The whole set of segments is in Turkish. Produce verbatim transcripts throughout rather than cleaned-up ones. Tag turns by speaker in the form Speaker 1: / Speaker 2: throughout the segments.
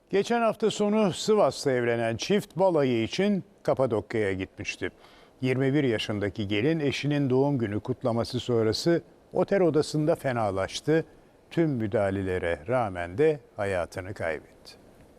Speaker 1: Geçen hafta sonu Sivas'ta evlenen çift balayı için Kapadokya'ya gitmişti. yirmi bir yaşındaki gelin eşinin doğum günü kutlaması sonrası otel odasında fenalaştı. Tüm müdahalelere rağmen de hayatını kaybetti.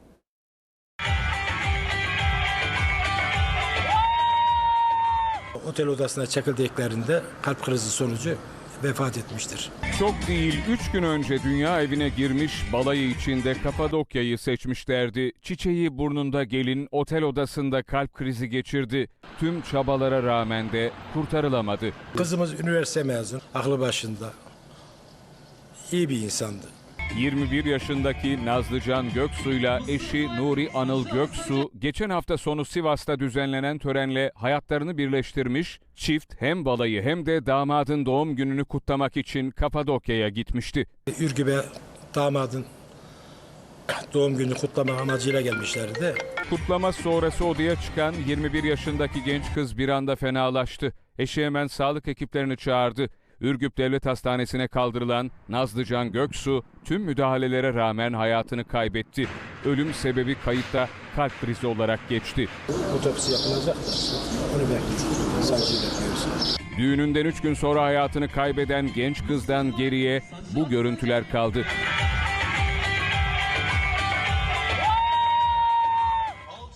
Speaker 2: Otel odasına çakıldıklarında kalp krizi sonucu vefat etmiştir.
Speaker 3: Çok değil, üç gün önce dünya evine girmiş balayı içinde Kapadokya'yı seçmişlerdi. Çiçeği burnunda gelin otel odasında kalp krizi geçirdi. Tüm çabalara rağmen de kurtarılamadı.
Speaker 2: Kızımız üniversite mezun, aklı başında. İyi bir insandı.
Speaker 3: yirmi bir yaşındaki Nazlıcan Göksu'yla eşi Nuri Anıl Göksu geçen hafta sonu Sivas'ta düzenlenen törenle hayatlarını birleştirmiş, çift hem balayı hem de damadın doğum gününü kutlamak için Kapadokya'ya gitmişti.
Speaker 2: Ürgüp'e damadın doğum gününü kutlama amacıyla gelmişlerdi.
Speaker 3: Kutlama sonrası odaya çıkan yirmi bir yaşındaki genç kız bir anda fenalaştı. Eşi hemen sağlık ekiplerini çağırdı. Ürgüp Devlet Hastanesi'ne kaldırılan Nazlıcan Göksu tüm müdahalelere rağmen hayatını kaybetti. Ölüm sebebi kayıtta kalp krizi olarak geçti.
Speaker 2: Otopsi yapılacak da onu bekliyoruz. Savcıyı bekliyoruz.
Speaker 3: Düğününden üç gün sonra hayatını kaybeden genç kızdan geriye bu görüntüler kaldı.